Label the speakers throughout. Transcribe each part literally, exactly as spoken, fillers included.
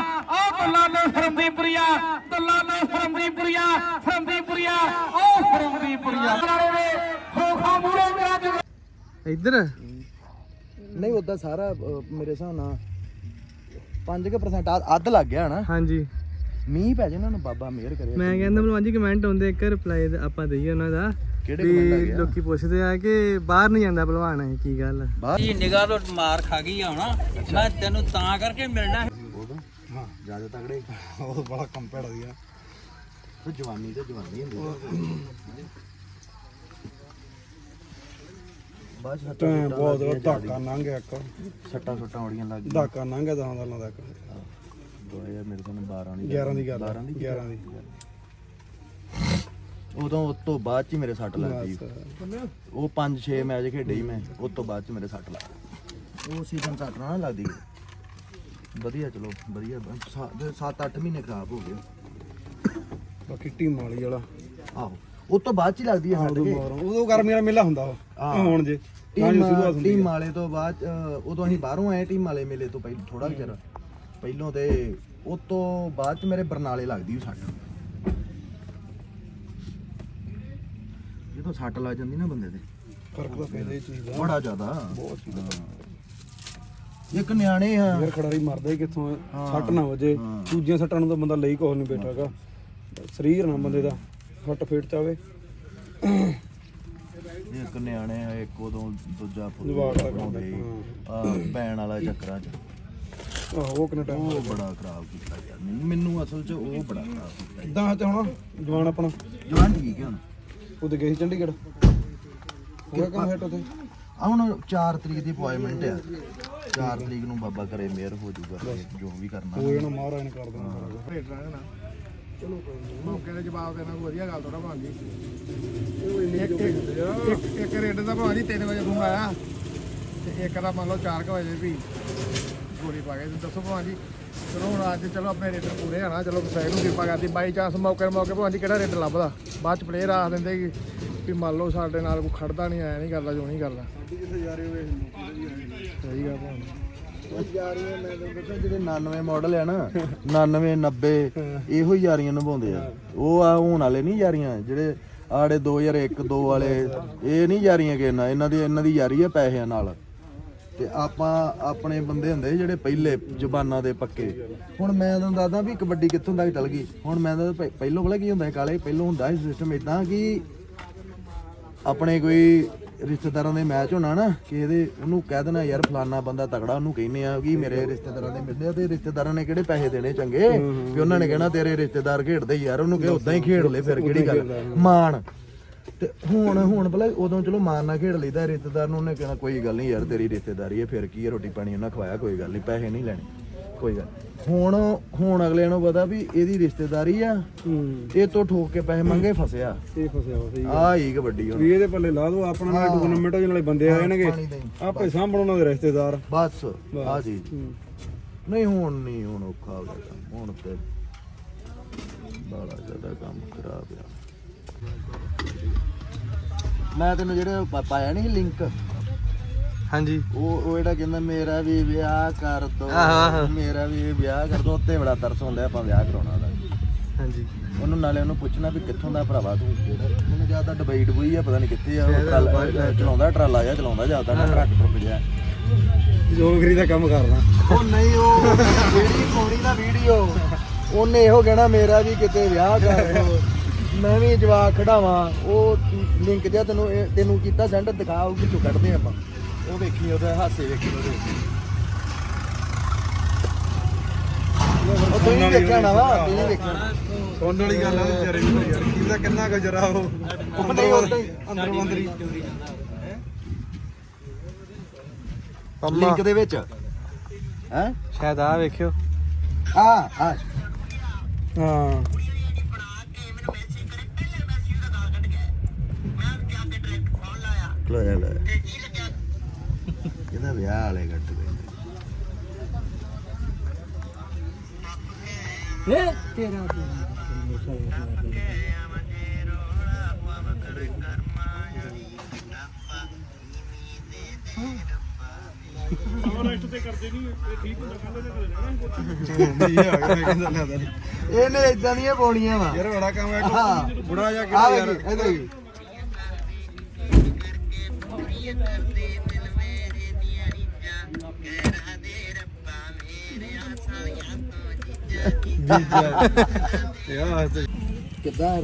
Speaker 1: ਉਹ ਦੁੱਲਾ ਤੇ ਸਰਮਦੀਪੁਰੀਆ ਦੁੱਲਾ ਤੇ ਸਰਮਦੀਪੁਰੀਆ ਸਰਮਦੀਪੁਰੀਆ ਉਹ ਸਰਮਦੀਪੁਰੀਆ ਖੋਖਾ ਮੂਰੇ ਮੇਰਾ
Speaker 2: ਇੱਧਰ
Speaker 3: ਨਹੀਂ ਉਦਾਂ ਸਾਰਾ ਅਹ, ਮੇਰੇ ਹਿਸਾਬ ਨਾਲ ਪੰਜ ਕੁ percent ਅੱਧ- ਅੱਧ ਲੱਗ ਗਿਆ ਹਨਾ
Speaker 2: ਹਾਂਜੀ
Speaker 3: ਮੀਂਹ ਪੈ ਜੇ ਉਹਨਾਂ ਨੂੰ ਬਾਬਾ ਮਿਹਰ ਕਰੇ
Speaker 2: ਮੈਂ ਕਹਿੰਦਾ ਭਲਵਾਨ ਜੀ ਕਮੈਂਟ ਆਉਂਦੇ ਇੱਕ ਰਿਪਲਾਈ ਆਪਾਂ ਦਈਏ ਉਹਨਾਂ ਦਾ
Speaker 3: ਕਿਹੜੇ
Speaker 2: ਵੀ
Speaker 3: comment ਆ ਗਏ ਆ?
Speaker 2: ਲੋਕੀ ਪੁੱਛਦੇ ਆ ਕਿ ਬਾਹਰ ਨਹੀਂ ਜਾਂਦਾ ਭਲਵਾਨ ਇਹ ਕੀ ਗੱਲ ਆ?
Speaker 3: ਬਾਹਰ
Speaker 4: ਇਹ ਨਿਗਾਹ ਤੋਂ ਮਾਰ ਖਾ ਗਈ ਆ ਹੁਣ ਮੈਂ ਤੈਨੂੰ ਤਾਂ ਕਰਕੇ ਮਿਲਣਾ
Speaker 3: ਉਦੋਂ ਹਾਂ ਜਿਆਦਾ ਤਗੜੇ ਉਹ ਬੜਾ ਕੰਮ ਭੈੜਾ ਸੀਗਾ ਤੇ ਜਵਾਨੀ ਤੇ ਜਵਾਨੀ ਹੁੰਦੀ ਬਾਅਦ
Speaker 5: ਟਾਈਮ ਬਹੁਤ ਧਾਕਾ ਲੰਘ ਗਿਆ ਇੱਕ
Speaker 3: ਸੱਟਾਂ ਸੁੱਟਾਂ ਉੜੀਆਂ ਲੱਗ ਗਈਆਂ
Speaker 5: ਧਾਕਾ ਲੰਘ ਗਿਆ ਦਸਾਂ ਸਾਲਾਂ ਤੱਕ
Speaker 3: ਦੋ ਹਜ਼ਾਰ ਮੇਰੇ ਕੋਲ ਬਾਰਾਂ ਦੀ
Speaker 5: ਗਿਆਰਾਂ ਦੀ ਗੱਲ
Speaker 3: ਬਾਰਾਂ ਦੀ
Speaker 5: ਗਿਆਰਾਂ ਦੀ
Speaker 3: ਉਦੋਂ ਉਸ ਤੋਂ ਬਾਅਦ ਚ ਹੀ ਮੇਰੇ ਸੱਟ ਲੱਗ ਗਈ ਉਹ ਪੰਜ ਛੇ ਮੈਚ ਖੇਡੇ ਹੀ ਮੈਂ ਉਸ ਤੋਂ ਬਾਅਦ ਚ ਮੇਰੇ ਸੱਟ ਲੱਗ ਗਈ ਉਹ ਸੀਜ਼ਨ ਸੱਟ ਨਾ ਲੱਗਦੀ ਵਧੀਆ ਚਲੋ ਵਧੀਆ ਸੱਤ ਅੱਠ ਮਹੀਨੇ ਖਰਾਬ ਹੋ ਗਏ
Speaker 5: ਬਾਕੀ ਟੀਮ ਵਾਲੀ ਵਾਲਾ
Speaker 3: ਆਹੋ ਉਸ ਤੋਂ ਬਾਅਦ ਚ ਹੀ ਲੱਗਦੀ ਹੈ ਸੱਟ
Speaker 5: ਉਦੋਂ
Speaker 3: ਕੇ
Speaker 5: ਮਾਰੋ ਉਦੋਂ ਗਰਮੀਆਂ ਦਾ ਮੇਲਾ ਹੁੰਦਾ ਵਾ
Speaker 3: ਹਾਂ।
Speaker 5: ਹੁਣ ਜੇ
Speaker 3: ਟੀਮ ਟੀਮ ਵਾਲੇ ਤੋਂ ਬਾਅਦ ਚ, ਉਦੋਂ ਅਸੀਂ ਬਾਹਰੋਂ ਆਏ ਟੀਮ ਵਾਲੇ ਮੇਲੇ ਤੋਂ ਪਹਿਲਾਂ ਥੋੜਾ ਚਿਰ ਪਹਿਲੋਂ ਤੇ ਉਸ ਤੋਂ ਬਾਅਦ ਚ ਮੇਰੇ ਬਰਨਾਲੇ ਲੱਗਦੀ ਉਹ ਸੱਟ ਜਦੋਂ ਸੱਟ ਲੱਗ ਜਾਂਦੀ ਨਾ ਬੰਦੇ ਦੇ
Speaker 5: ਫਰਕ ਤਾਂ ਪੈਂਦਾ ਇਹ ਚੀਜ਼ ਦਾ
Speaker 3: ਬੜਾ ਜ਼ਿਆਦਾ
Speaker 5: ਬਹੁਤ ਚੀਜ਼ ਦਾ
Speaker 3: ਇੱਕ ਨਿਆਣੇ ਆ
Speaker 5: ਯਾਰ ਖਿਡਾਰੀ ਮਰਦਾ ਹੀ ਕਿੱਥੋਂ ਹੈ।
Speaker 3: ਹਾਂ।
Speaker 5: ਸੱਟ ਨਾ ਵਜੇ
Speaker 3: ਹਾਂ।
Speaker 5: ਦੂਜੀਆਂ ਸੱਟਾਂ ਨੂੰ ਤਾਂ ਬੰਦਾ ਲਈ ਕੁਛ ਨਹੀਂ ਬੈਠਾਗਾ ਸਰੀਰ ਨਾ ਬੰਦੇ ਦਾ ਫੱਟ ਫੇਟ ਚਾਵੇ
Speaker 3: ਇੱਕ ਨਿਆਣੇ ਆ ਇੱਕ ਉਦੋਂ ਦੂਜਾ
Speaker 5: ਜਵਾਕ ਦਾ ਕੰਮ
Speaker 3: ਬਣਾਉਂਦੇ ਸੀ ਆ ਬੈਣ ਵਾਲਾ ਚੱਕਰਾਂ ਚ
Speaker 5: ਆਹੋ ਉਹ ਕਿੰਨਾ ਟਾਈਮ
Speaker 3: ਉਹ ਬੜਾ ਖਰਾਬ ਕੀਤਾ ਯਾਰ ਮੈਨੂੰ ਮੈਨੂੰ ਅਸਲ ਚ ਉਹ ਬੜਾ ਖਰਾਬ ਕੀਤਾ
Speaker 5: ਇਦਾਂ ਤੇ ਹੁਣ ਜਵਾਨ ਆਪਣਾ
Speaker 3: ਜਵਾਨ ਠੀਕ ਹੈ ਹੁਣ
Speaker 5: ਉਹਦੇ ਗਏ ਸੀ ਚੰਡੀਗੜ੍ਹ ਕਿਹੜਾ ਕੰਮ ਹੈ ਉੱਥੇ
Speaker 3: ਆ ਹੁਣ ਚਾਰ ਤਰੀਕ ਦੀ ਅਪਾਇੰਟਮੈਂਟ ਆ ਚਾਰ ਤਰੀਕ ਨੂੰ ਬਾਬਾ ਕਰੇ ਮਿਹਰ ਹੋ ਜਾਊਗਾ ਜੋ ਵੀ ਕਰਨਾ
Speaker 5: ਉਹ ਇਹਨਾਂ ਮਹਾਰਾਜ ਨੇ ਕਰ ਦੇਣਾ
Speaker 6: ਚਲੋ ਮੌਕੇ ਦੇ ਜਵਾਬ ਦੇਣਾ ਕੋਈ ਵਧੀਆ ਗੱਲ ਥੋੜਾ ਬਣ ਗਈ ਇੱਕ ਇੱਕ ਇੱਕ ਰੇਡ ਦਾ ਭਾਜੀ ਤਿੰਨ ਵਜੇ ਫੋਨ ਆਇਆ ਤੇ ਇੱਕ ਦਾ ਮੰਨ ਲਓ ਚਾਰ ਕੁ ਵਜੇ ਵੀ ਗੋਲੀ ਪਾ ਕੇ ਤੇ ਦੱਸੋ ਭਾਜੀ ਚਲੋ ਹੁਣ ਅੱਜ ਚਲੋ ਆਪਣੇ ਰੇਡਰ ਪੂਰੇ ਆਣਾ ਚਲੋ ਸਾਈਡ ਨੂੰ ਕਿਰਪਾ ਕਰਦੀ ਬਾਈ ਚਾਂਸ ਮੌਕੇ ਮੌਕੇ ਭਾਜੀ ਕਿਹੜਾ ਰੇਡਰ ਲੱਭਦਾ ਬਾਅਦ ਚ ਪਲੇਅਰ ਆਖ ਦਿੰਦੇ ਕਿ ਵੀ ਮੰਨ ਲਓ ਸਾਡੇ ਨਾਲ ਕੋਈ ਖੜਦਾ ਨਹੀਂ ਆਇਆ ਨਹੀਂ ਕਰਦਾ ਜੋ ਨਹੀਂ ਕਰਦਾ ਸਹੀ ਗੱਲ ਭਾਜੀ
Speaker 3: ਯਾਰੀਆਂ ਮੈਂ ਤੁਹਾਨੂੰ ਦੱਸਾਂ ਜਿਹੜੇ ਨਾਨਵੇਂ ਮਾਡਲ ਆ ਨਾ ਨਾਨਵੇਂ ਨੱਬੇ ਇਹੋ ਹੀ ਯਾਰੀਆਂ ਨਿਭਾਉਂਦੇ ਆ ਉਹ ਆ ਹੁਣ ਵਾਲੇ ਨਹੀਂ ਯਾਰੀਆਂ ਜਿਹੜੇ ਆੜੇ ਦੋ ਹਜ਼ਾਰ ਇੱਕ ਦੋ ਵਾਲੇ ਇਹ ਨਹੀਂ ਯਾਰੀਆਂ ਕਿ ਇਹਨਾਂ ਇਹਨਾਂ ਦੀ ਇਹਨਾਂ ਦੀ ਯਾਰੀ ਆ ਪੈਸਿਆਂ ਨਾਲ ਤੇ ਆਪਾਂ ਆਪਣੇ ਬੰਦੇ ਹੁੰਦੇ ਜਿਹੜੇ ਪਹਿਲੇ ਜ਼ਬਾਨਾਂ ਦੇ ਪੱਕੇ ਹੁਣ ਮੈਂ ਤੁਹਾਨੂੰ ਦੱਸਦਾ ਵੀ ਕਬੱਡੀ ਕਿੱਥੋਂ ਤੱਕ ਚੱਲ ਗਈ ਹੁਣ ਮੈਂ ਤਾਂ ਪਹਿਲੋਂ ਪਹਿਲਾਂ ਕੀ ਹੁੰਦਾ ਕਾਲੇ ਪਹਿਲੋਂ ਹੁੰਦਾ ਸੀ ਸਿਸਟਮ ਇਦਾਂ ਕਿ ਆਪਣੇ ਕੋਈ ਰਿਸ਼ਤੇਦਾਰਾਂ ਦੇ ਮੈਚ ਹੋਣਾ ਨਾ ਕਿ ਇਹਦੇ ਉਹਨੂੰ ਕਹਿ ਦੇਣਾ ਯਾਰ ਫਲਾਨਾ ਬੰਦਾ ਤਗੜਾ ਉਹਨੂੰ ਕਹਿੰਦੇ ਆ ਕਿ ਮੇਰੇ ਰਿਸ਼ਤੇਦਾਰਾਂ ਦੇ ਮਿਲਦੇ ਆ ਤੇ ਰਿਸ਼ਤੇਦਾਰਾਂ ਨੇ ਕਿਹੜੇ ਪੈਸੇ ਦੇਣੇ ਚੰਗੇ ਕਿ ਉਹਨਾਂ ਨੇ ਕਹਿਣਾ ਤੇਰੇ ਰਿਸ਼ਤੇਦਾਰ ਖੇਡਦੇ ਯਾਰ ਉਹਨੂੰ ਕਿ ਉਦਾਂ ਹੀ ਖੇਡ ਲੈ ਫਿਰ ਕਿਹੜੀ ਗੱਲ ਮਾਣ ਤੇ ਹੁਣ ਹੁਣ ਭਲਾ ਉਦੋਂ ਚਲੋ ਮਾਣ ਨਾਲ ਖੇਡ ਲਈਦਾ ਰਿਸ਼ਤੇਦਾਰ ਨੂੰ ਉਹਨੇ ਕਹਿਣਾ ਕੋਈ ਗੱਲ ਨਹੀਂ ਯਾਰ ਤੇਰੀ ਰਿਸ਼ਤੇਦਾਰੀ ਹੈ ਫਿਰ ਕੀ ਹੈ ਰੋਟੀ ਪਾਣੀ ਉਹਨਾਂ ਖਵਾਇਆ ਕੋਈ ਗੱਲ ਨਹੀਂ ਪੈਸੇ ਨਹੀਂ ਲੈਣੇ ਕੋਈ ਗੱਲ ਹੁਣ ਹੁਣ ਅਗਲੇ ਨੂੰ ਪਤਾ ਵੀ ਇਹਦੀ ਰਿਸ਼ਤੇਦਾਰੀ ਆ ਇਹ ਤੋਂ ਠੋਕ ਕੇ ਪੈਸੇ ਮੰਗੇ ਫਸਿਆ
Speaker 5: ਇਹ ਫਸਿਆ ਵਾ ਸਹੀ
Speaker 3: ਆ ਹੀ ਕਬੱਡੀ ਹੁਣ
Speaker 5: ਵੀ ਇਹਦੇ ਪੱਲੇ ਲਾ ਦੋ ਆਪਣਾ ਨਾਲ ਟੂਰਨਾਮੈਂਟ ਨਾਲੇ ਬੰਦੇ ਆ ਜਾਣਗੇ ਆਪੇ ਸਾਂਭਣ ਉਹਨਾਂ ਦੇ ਰਿਸ਼ਤੇਦਾਰ
Speaker 3: ਬਸ ਆ ਜੀ ਨਹੀਂ ਹੁਣ ਨਹੀਂ ਹੁਣ ਔਖਾ ਹੋ ਗਿਆ ਕੰਮ, ਹੁਣ ਤੇ ਬੜਾ ਜ਼ਿਆਦਾ ਕੰਮ ਖਰਾਬ ਆ ਮੈਂ ਤੈਨੂੰ ਜਿਹੜੇ ਪਾ- ਪਾਇਆ ਨਹੀਂ ਲਿੰਕ
Speaker 2: ਹਾਂਜੀ
Speaker 3: ਉਹ ਉਹ ਜਿਹੜਾ ਕਹਿੰਦਾ ਮੇਰਾ ਵੀ ਵਿਆਹ ਕਰ ਦੋ
Speaker 2: ਆਹੋ, ਆਹੋ।
Speaker 3: ਮੇਰਾ ਵੀ ਵਿਆਹ ਕਰ ਦੋ ਉੱਤੇ ਬੜਾ ਤਰਸ ਹੁੰਦਾ ਆਪਾਂ ਵਿਆਹ ਕਰਾਉਣਾ ਉਹਦਾ
Speaker 2: ਹਾਂਜੀ
Speaker 3: ਉਹਨੂੰ ਨਾਲੇ ਉਹਨੂੰ ਪੁੱਛਣਾ ਵੀ ਕਿੱਥੋਂ ਦਾ ਭਰਾਵਾ ਤੂੰ ਉਹਨੂੰ ਜਿਆਦਾ ਡਬਈ ਡਬਈ ਆ ਪਤਾ ਨਹੀਂ ਕਿੱਥੇ ਆ ਉਹ ਟਰਾਲਾ ਚਲਾਉਂਦਾ ਟਰਾਲਾ ਜਾਂ ਚਲਾਉਂਦਾ ਜਿਆਦਾ ਨਾ ਟਰੱਕ ਟਰੁੱਕ ਜਿਹਾ
Speaker 5: ਜੋਗਰੀ ਦਾ ਕੰਮ ਕਰਨਾ
Speaker 3: ਉਹ ਨਹੀਂ ਉਹ ਜਿਹੜੀ ਪਾਉਣੀ ਨਾ ਵੀਡੀਓ ਉਹਨੇ ਇਹੋ ਕਹਿਣਾ ਮੇਰਾ ਵੀ ਕਿਤੇ ਵਿਆਹ ਕਰ ਦੋ ਮੈਂ ਵੀ ਜਵਾਕ ਖੜਾਵਾਂ ਉਹ ਲਿੰਕ ਜਿਹਾ ਤੈਨੂੰ ਇਹ- ਤੈਨੂੰ ਕੀਤਾ ਸੈਂਡ ਦਿਖਾ ਉਹ ਕਿੱਥੋਂ ਕੱਢਦੇ ਆਪਾਂ ਉਹ ਵੇਖੀ ਉਹਦੇ ਹਾਸੇ ਵੇਖੀ ਉਹਦੇ ਉਹ ਤੂੰ ਹੀ ਵੇਖਿਆ ਨਾ ਵਾ ਤੂੰ ਹੀ ਵੇਖਿਆ
Speaker 5: ਸੁਣਨ ਵਾਲੀ ਗੱਲ ਆ ਵਿਚਾਰੇ ਨੂੰ ਯਾਰ ਕਿਹਦਾ ਕਿੰਨਾ ਕੁ ਜਰਾ ਉਹ
Speaker 3: ਉਹ ਨਹੀਂ ਉਦਾਂ ਹੀ
Speaker 5: ਅੰਦਰੋਂ ਅੰਦਰੀ
Speaker 2: ਪੰਮਾ
Speaker 3: ਲਿੰਕ ਦੇ ਵਿੱਚ ਹੈ
Speaker 2: ਸ਼ਾਇਦ ਆ ਵੇਖਿਓ
Speaker 3: ਆ ਆ
Speaker 5: ਹਾਂ
Speaker 3: ਲੈ ਲੈ ਇਹਦਾ ਵਿਆਹ ਵਾਲੇ ਕੱਟ ਗਏ ਇਹਨੇ ਇਦਾਂ ਦੀਆਂ ਪਾਉਣੀਆਂ ਵਾ
Speaker 5: ਯਾਰ ਬੜਾ ਕੰਮ ਹੈ ਬੁੜਾ ਜਾ
Speaker 3: ਆ ਯਾਰ ਇਹਦੇ ਹੀ ਕਿੱਦਾਂ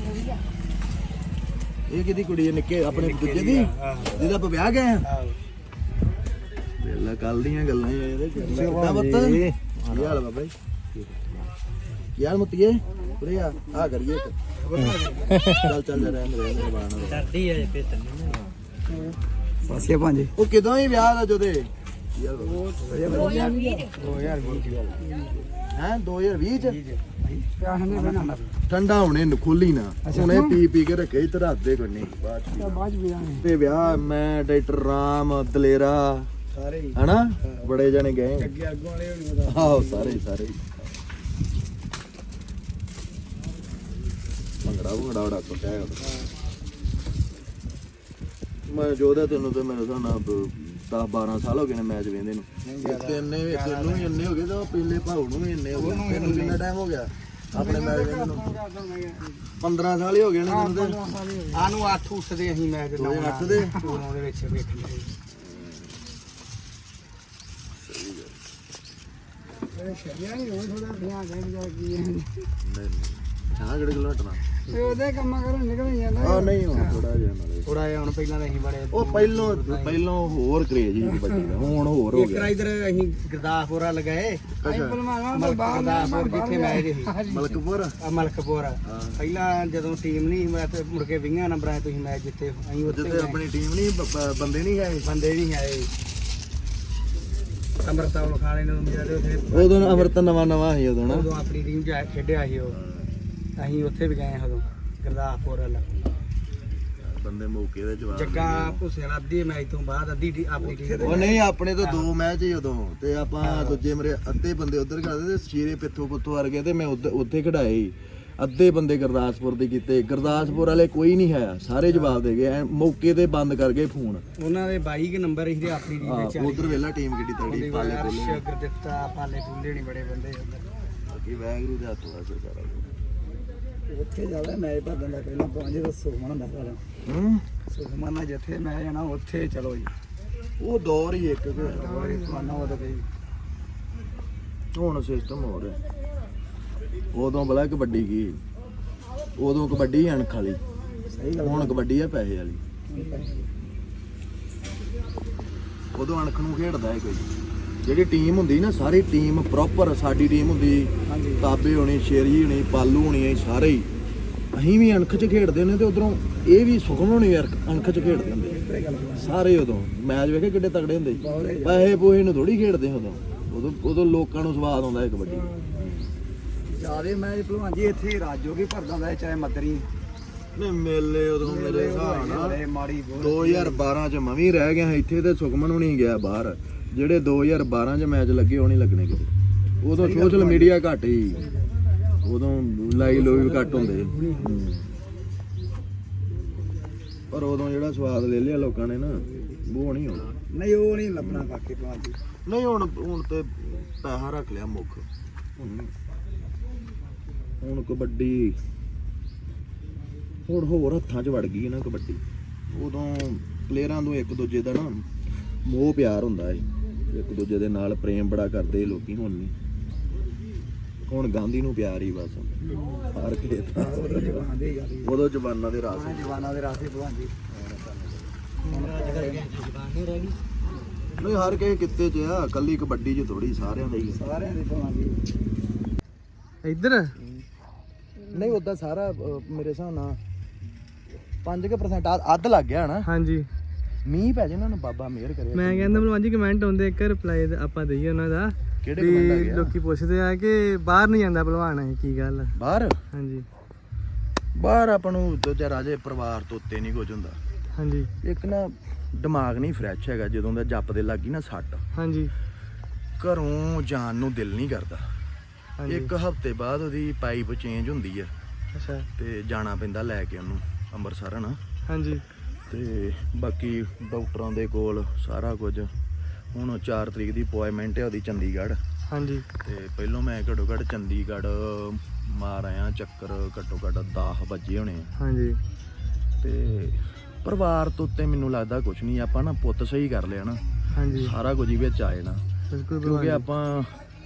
Speaker 3: ਇਹ ਕਿਹਦੀ ਕੁੜੀ ਹੈ ਨਿੱਕੇ ਆਪਣੇ ਦੂਜੇ ਦੀ ਜਿਹਦਾ ਆਪਾਂ ਵਿਆਹ ਗਏ ਆ ਵੇਲਾ ਕੱਲ ਦੀਆਂ ਗੱਲਾਂ ਹੀ ਇਹਦੇ ਕਿੱਦਾਂ ਬੱਤ ਕੀ ਹਾਲ ਬਾਬਾ ਜੀ ਕੀ ਹਾਲ ਮੁੱਤੀਏ ਉਰੇ ਆ ਆ ਕਰੀਏ ਇੱਕ ਚੱਲ ਚੱਲ ਜਾ ਰਹਿਣ ਦੇ ਮੇਰੇ ਬਾਣ
Speaker 2: ਕਰਦੀ ਹੈ ਫੇਰ
Speaker 5: ਸਾਸੀਆ ਭਾਂਜੀ
Speaker 3: ਉਹ ਕਿਦੋਂ ਹੀ ਵਿਆਹ ਦਾ ਜੋਦੇ ਯਾਰ
Speaker 5: ਦੋ ਹਜ਼ਾਰ ਵੀਹ ਦੀ ਗੱਲ
Speaker 3: ਹੈ ਦੋ ਹਜ਼ਾਰ ਵੀਹ ਚ
Speaker 5: ਪਿਆਹ ਨੇ ਬਣਾਉਣਾ
Speaker 3: ਠੰਡਾ ਹੁਣੇ ਖੋਲੀ ਨਾ ਹੁਣੇ ਪੀ ਪੀ ਕੇ ਰੱਖੇ ਹੀ ਧਰਾ ਦੇ ਕੋਈ ਨਹੀਂ ਬਾਅਦ ਚ
Speaker 5: ਬਾਅਦ ਵੀ ਆਏ
Speaker 3: ਤੇ ਵਿਆਹ ਮੈਂ ਡਾਕਟਰ ਰਾਮ ਦਲੇਰਾ
Speaker 5: ਸਾਰੇ ਹੀ
Speaker 3: ਹਨਾ ਬੜੇ ਜਣੇ ਗਏ
Speaker 5: ਅੱਗੇ ਅੱਗੋਂ ਵਾਲੇ ਹੋਣੇ ਉਹਦਾ
Speaker 3: ਆਹੋ ਸਾਰੇ ਹੀ, ਸਾਰੇ ਹੀ। ਭੰਗੜਾ ਭੰਗੜਾ ਬੜਾ ਕੁੱਟਿਆ ਹੈ ਮੈਂ ਜੋਦਾ ਤੈਨੂੰ ਤੇ ਮੇਰੇ ਹਿਸਾਬ ਨਾਲ ਦਸ ਬਾਰਾਂ ਸਾਲ ਹੋ ਗਏ ਨੇ ਮੈਚ ਵੇਂਦੇ ਨੂੰ ਤੇ ਇੰਨੇ ਤੈਨੂੰ ਵੀ ਇੰਨੇ ਹੋ ਗਏ ਤਾਂ ਪਹਿਲੇ ਭਾਉ ਨੂੰ ਵੀ ਇੰਨੇ ਹੋ ਗਏ ਤੈਨੂੰ ਕਿੰਨਾ ਟਾਈਮ ਹੋ ਗਿਆ ਆਪਣੇ ਮੈਚ ਵੇਂਦੇ ਨੂੰ ਪੰਦਰਾਂ ਸਾਲ ਹੀ ਹੋ ਗਏ ਨੇ ਤੈਨੂੰ ਤੇ
Speaker 5: ਆਨੂੰ ਅੱਠ ਉੱਠਦੇ ਅਸੀਂ ਮੈਚ
Speaker 3: ਦੋ ਹਜ਼ਾਰ ਅੱਠ ਦੇ
Speaker 5: ਉਹਦੇ ਵਿੱਚ ਵੇਖੀ ਇਹ ਸ਼ਰੀਆ ਨਹੀਂ ਹੋਈ ਥੋੜਾ ਧਿਆਨ ਦੇ ਜਾ ਕੀ ਹੈ
Speaker 3: ਹਾਂ ਕਿਹੜੇ ਕਿਲੋ ਹਟਣਾ
Speaker 5: ਤੇ ਉਹਦੇ ਕੰਮਾਂ ਕਰਨ ਨਿਕਲ ਜਾਂਦਾ
Speaker 3: ਆ ਨਹੀਂ ਹੁਣ ਥੋੜਾ ਜਿਹਾ ਨਾਲੇ
Speaker 5: ਥੋੜਾ ਜਿਹਾ ਹੁਣ ਪਹਿਲਾਂ ਤਾਂ ਅਸੀਂ ਬੜੇ
Speaker 3: ਉਹ ਪਹਿਲੋਂ ਪਹਿਲੋਂ ਹੋਰ ਕਰੇਜ ਸੀ ਕਬੱਡੀ ਦਾ ਹੁਣ ਹੋਰ ਹੋ
Speaker 5: ਇੱਕ
Speaker 3: ਗਿਆ
Speaker 5: ਰਾ ਇਧਰ ਅਸੀਂ ਗੁਰਦਾਸਪੁਰਾ ਲਗਾਏ ਅਸੀਂ ਬਲਮਾਣਾ ਗੁਰਦਾਸਪੁਰ ਜਿੱਥੇ ਮੈਚ ਸੀ
Speaker 3: ਮਲਕਪੁਰ
Speaker 5: ਆ ਮਲਕਪੁਰ ਪਹਿਲਾਂ ਜਦੋਂ ਟੀਮ ਨਹੀਂ ਮੈਂ ਤੇ ਮੁੜ ਕੇ ਵੀਹਾਂ ਨੰਬਰਾਂ 'ਤੇ ਤੁਸੀਂ ਮੈਚ ਜਿੱਤੇ ਅਸੀਂ ਉੱਥੇ
Speaker 3: ਜਿੱਥੇ ਆਪਣੀ ਟੀਮ ਨਹੀਂ ਬ- ਬ- ਬੰਦੇ ਨਹੀਂ ਹੈ
Speaker 5: ਬੰਦੇ ਨਹੀਂ ਆਏ ਅਮਰਤਾਲ ਖਾਣੇ ਨੂੰ ਜਿਹੜੇ ਉੱਥੇ
Speaker 3: ਉਦੋਂ ਅਮਰਤ ਨਵਾਂ ਨਵਾਂ ਸੀ ਉਦੋਂ ਨਾ
Speaker 5: ਉਦੋਂ ਆਪਣੀ ਟੀਮ 'ਚ ਖੇਡਿਆ ਸੀ ਉਹ ਅਸੀਂ ਉੱਥੇ ਵੀ ਗਏ ਉਦੋਂ ਗੁਰਦਾਸਪੁਰ ਵਾਲਾ
Speaker 3: ਬੰਦੇ ਮੌਕੇ ਦੇ ਜਵਾਬ
Speaker 5: ਜੱਗਾ ਭੁੱਸੇ ਨਾਲ ਅੱਧੇ ਮੈਚ ਤੋਂ ਬਾਅਦ ਅੱਧੀ ਟੀ- ਆਪਣੀ ਟੀਮ
Speaker 3: ਉਹ ਨਹੀਂ ਆਪਣੇ ਤਾਂ ਦੋ ਮੈਚ ਹੀ ਉਦੋਂ ਤੇ ਆਪਾਂ ਦੂਜੇ ਮੇਰੇ ਅੱਧੇ ਬੰਦੇ ਉਧਰ ਖੜਦੇ ਤੇ ਸ਼ੀਰੇ ਪਿੱਥੋਂ ਪੁੱਥੋਂ ਵਰਗੇ ਤੇ ਮੈਂ ਉੱਧ- ਉੱਥੇ ਖੜਾਏ ਸੀ। ਅੱਧੇ ਬੰਦੇ ਗੁਰਦਾਸਪੁਰ ਦੇ ਕੀਤੇ ਗੁਰਦਾਸਪੁਰ ਵਾਲੇ ਕੋਈ ਨਹੀਂ ਆਇਆ ਸਾਰੇ ਜਵਾਬ ਦੇ ਗਏ ਐਨ ਮੌਕੇ ਤੇ ਬੰਦ ਕਰ ਗਏ ਫੋਨ
Speaker 5: ਉਹਨਾਂ ਦੇ ਬਾਈ ਕੇ ਨੰਬਰ ਸੀ ਆਪਣੀ ਟੀਮ ਵਿੱਚ
Speaker 3: ਉਧਰ ਵੇਲਾ ਟੀਮ ਕਿੱਡੀ ਤਗੜੀ ਪਾਲੇ ਕੋਲੇ
Speaker 5: ਸ਼ਗਰ ਦਿੱਤਾ ਪਾਲੇ ਪੁੱਲੇ ਨਹੀਂ ਬੜੇ ਬੰਦੇ ਉੱਧਰ
Speaker 3: ਬਾਕੀ ਵੈਗਰੂ ਦੇ ਹੱਥ ਦਾ ਸਰਕਾਰਾਂ
Speaker 5: ਉੱਥੇ ਜਾਵੇ ਮੈਚ ਭੱਜਣ ਦਾ ਪਹਿਲਾਂ ਪਹੁੰਚੇ ਤਾਂ ਸੁਖਮਨ ਹੁੰਦਾ ਸਾਰਾ
Speaker 3: ਹੂੰ
Speaker 5: ਸੁਖਮਨ ਨਾਲ ਜਿੱਥੇ ਮੈਂ ਜਾਣਾ ਉੱਥੇ ਚਲੋ ਜੀ
Speaker 3: ਉਹ ਦੌਰ ਹੀ ਇੱਕ ਕਿ
Speaker 5: ਮਾਨਾ ਉਹ ਤਾਂ ਗਈ
Speaker 3: ਹੁਣ ਸਿਸਟਮ ਹੋ ਰਿਹਾ ਉਦੋਂ ਬਲਾ ਕਬੱਡੀ ਕੀ ਉਦੋਂ ਕਬੱਡੀ ਅਣਖ ਵਾਲੀ
Speaker 5: ਸਹੀ ਗੱਲ
Speaker 3: ਹੁਣ ਕਬੱਡੀ ਆ ਪੈਸੇ ਵਾਲੀ ਉਦੋਂ ਅਣਖ ਨੂੰ ਖੇਡਦਾ ਹੈ ਕੋਈ ਜਿਹੜੀ ਟੀਮ ਹੁੰਦੀ ਨਾ ਸਾਰੀ ਟੀਮ ਪ੍ਰੋਪਰ ਸਾਡੀ ਟੀਮ ਹੁੰਦੀ
Speaker 5: ਹਾਂਜੀ
Speaker 3: ਤਾਬੇ ਹੋਣੀ ਸ਼ੇਰੀ ਹੋਣੀ ਪਾਲੂ ਹੋਣੀ ਇਹ ਸਾਰੇ ਹੀ ਅਸੀਂ ਵੀ ਅਣਖ 'ਚ ਖੇਡਦੇ ਨੇ ਤੇ ਉਧਰੋਂ ਇਹ ਵੀ ਸੁਖਮ ਹੋਣੀ ਯਾਰ ਅਣਖ 'ਚ ਖੇਡਦੇ ਹੁੰਦੇ ਸਾਰੇ ਉਦੋਂ ਮੈਚ ਵੇਖੇ ਕਿੱਡੇ ਤਗੜੇ ਹੁੰਦੇ ਪੈਸੇ ਪੋਹੇ ਨੂੰ ਥੋੜੀ ਖੇਡਦੇ ਉਦੋਂ ਉਦੋਂ ਉਦੋਂ ਲੋਕਾਂ ਨੂੰ ਸਵਾਦ ਆਉਂਦਾ ਹੈ ਕਬੱਡੀ
Speaker 5: ਜਿਆਦੇ ਮੈਚ ਭਲਵਾਨ ਜੀ ਇੱਥੇ ਰਾਜੋ ਕੀ ਭਰਦਾ ਹੁੰਦਾ ਚਾਹੇ ਮਦਰੀ
Speaker 3: ਨੇ ਮੇਲੇ ਉਦੋਂ ਮੇਰੇ ਹਿਸਾਬ ਨਾਲ
Speaker 5: ਮਾੜੀ
Speaker 3: ਦੋ ਹਜ਼ਾਰ ਬਾਰਾਂ 'ਚ ਮੈਂ ਵੀ ਰਹਿ ਗਿਆ ਇੱਥੇ ਤੇ ਸੁਖਮਨ ਹੁਣੀ ਗਿਆ ਬਾਹਰ ਜਿਹੜੇ ਦੋ ਹਜ਼ਾਰ ਬਾਰਾਂ 'ਚ ਮੈਚ ਲੱਗੇ ਉਹ ਨਹੀਂ ਲੱਗਣੇ ਕਿਤੇ ਉਦੋਂ ਸੋਸ਼ਲ ਮੀਡੀਆ ਘੱਟ ਹੀ ਉਦੋਂ ਲਾਈ ਲੋਈ ਵੀ ਘੱਟ ਹੁੰਦੇ ਹੂੰ। ਪਰ ਉਦੋਂ ਜਿਹੜਾ ਸਵਾਦ ਲੈ ਲਿਆ ਲੋਕਾਂ ਨੇ ਨਾ ਉਹ ਨਹੀਂ ਹੋਣਾ
Speaker 5: ਨਹੀਂ ਉਹ ਨਹੀਂ ਲੱਭਣਾ ਬਾਕੀ ਭਲਵਾਨ ਜੀ
Speaker 3: ਨਹੀਂ ਹੁਣ ਹੁਣ ਤੇ ਪੈਸਾ ਰੱਖ ਲਿਆ ਮੁੱਖ ਹੁਣ ਹੁਣ ਕਬੱਡੀ ਹੁਣ ਹੋਰ ਹੱਥਾਂ 'ਚ ਵੜ ਗਈ ਹੈ ਨਾ ਕਬੱਡੀ ਉਦੋਂ ਪਲੇਅਰਾਂ ਨੂੰ ਇੱਕ ਦੂਜੇ ਦਾ ਨਾ ਮੋਹ ਪਿਆਰ ਹੁੰਦਾ ਏ ਇੱਕ ਦੂਜੇ ਦੇ ਨਾਲ ਪ੍ਰੇਮ ਬੜਾ ਕਰਦੇ ਲੋਕੀ ਹੁਣ ਨਹੀਂ ਹੁਣ ਗਾਂਧੀ ਨੂੰ ਪਿਆਰ ਹੀ ਬਸ ਹਰ ਕਿਸੇ ਦਾ
Speaker 5: ਉਦੋਂ ਜਵਾਨ ਦੇ ਯਾਰੀ
Speaker 3: ਉਦੋਂ ਜਵਾਨਾਂ ਦੇ ਰਾਸ ਸੀ।
Speaker 5: ਜਵਾਨਾਂ ਦੇ ਰਾਸੇ ਭਲਵਾਨ ਜੀ
Speaker 3: ਨਹੀਂ ਹਰ ਕਿਸੇ ਕਿੱਤੇ 'ਚ ਆ ਕੱਲੀ ਕਬੱਡੀ 'ਚ ਥੋੜੀ ਸਾਰਿਆਂ ਦਾ ਹੀ ਆ।
Speaker 5: ਸਾਰਿਆਂ ਦੇ ਭਲਵਾਨ ਜੀ
Speaker 2: ਇੱਧਰ
Speaker 3: ਨਹੀਂ ਉਦਾਂ ਸਾਰਾ ਅਹ, ਮੇਰੇ ਹਿਸਾਬ ਨਾਲ ਪੰਜ ਕੁ percent ਅੱਧ- ਅੱਧ ਲੱਗ ਗਿਆ ਨਾ
Speaker 2: ਹਾਂਜੀ
Speaker 3: ਮੀਂਹ ਪੈ ਜੇ ਨਾ ਬਾਬਾ ਮਿਹਰ ਕਰੇ
Speaker 2: ਮੈਂ ਕਹਿੰਦਾ ਭਲਵਾਨ ਜੀ ਕਮੈਂਟ ਆਉਂਦੇ ਇੱਕ ਰਿਪਲਾਈ ਆਪਾਂ ਦਈਏ ਉਹਨਾਂ ਦਾ
Speaker 3: ਕਿਹੜੇ
Speaker 2: ਵੀ
Speaker 3: ਕਮੈਂਟ ਆ ਗਿਆ
Speaker 2: ਲੋਕੀ ਪੁੱਛਦੇ ਆ ਕਿ ਬਾਹਰ ਨਹੀਂ ਜਾਂਦਾ ਭਲਵਾਨ ਇਹ ਕੀ ਗੱਲ ਆ?
Speaker 3: ਬਾਹਰ
Speaker 2: ਹਾਂਜੀ
Speaker 3: ਬਾਹਰ ਆਪਾਂ ਨੂੰ ਦੂਜਾ ਰਾਜੇ ਪਰਿਵਾਰ ਤੋਂ ਉੱਤੇ ਨਹੀਂ ਕੁਝ ਹੁੰਦਾ
Speaker 2: ਹਾਂਜੀ
Speaker 3: ਇੱਕ ਨਾ ਦਿਮਾਗ ਨਹੀਂ ਫਰੈਸ਼ ਹੈਗਾ ਜਦੋਂ ਦਾ ਜੱਪ ਦੇ ਲੱਗੀ ਨਾ ਸੱਟ
Speaker 2: ਹਾਂਜੀ
Speaker 3: ਘਰੋਂ ਜਾਣ ਨੂੰ ਦਿਲ ਨਹੀਂ ਕਰਦਾ
Speaker 2: ਹਾਂਜੀ
Speaker 3: ਇੱਕ ਹਫ਼ਤੇ ਬਾਅਦ ਉਹਦੀ ਪਾਈਪ ਚੇਂਜ ਹੁੰਦੀ ਆ
Speaker 2: ਅੱਛਾ
Speaker 3: ਤੇ ਜਾਣਾ ਪੈਂਦਾ ਲੈ ਕੇ ਉਹਨੂੰ ਅੰਮ੍ਰਿਤਸਰ ਨਾ
Speaker 2: ਹਾਂਜੀ
Speaker 3: ਤੇ ਬਾਕੀ ਡਾਕਟਰਾਂ ਦੇ ਕੋਲ ਸਾਰਾ ਕੁਝ ਹੁਣ ਚਾਰ ਤਰੀਕ ਦੀ ਅਪਾਇੰਟਮੈਂਟ ਹੈ ਉਹਦੀ ਚੰਡੀਗੜ੍ਹ।
Speaker 2: ਹਾਂਜੀ
Speaker 3: ਤੇ ਪਹਿਲੋਂ ਮੈਂ ਘੱਟੋ ਘੱਟ ਚੰਡੀਗੜ੍ਹ ਮਾਰ ਆਇਆ ਚੱਕਰ, ਘੱਟੋ ਘੱਟ ਦਸ ਵਜੇ ਹੋਣੇ ਆ।
Speaker 2: ਹਾਂਜੀ
Speaker 3: ਤੇ ਪਰਿਵਾਰ ਤੋਂ ਉੱਤੇ ਮੈਨੂੰ ਲੱਗਦਾ ਕੁਝ ਨਹੀਂ, ਆਪਾਂ ਨਾ ਪੁੱਤ ਸਹੀ ਕਰ ਲਿਆ ਨਾ,
Speaker 2: ਹਾਂਜੀ
Speaker 3: ਸਾਰਾ ਕੁਝ ਹੀ ਵਿੱਚ ਆ ਜਾਣਾ।
Speaker 2: ਬਿਲਕੁਲ
Speaker 3: ਕਿਉਂਕਿ
Speaker 2: ਭਲਵਾਨ
Speaker 3: ਆਪਾਂ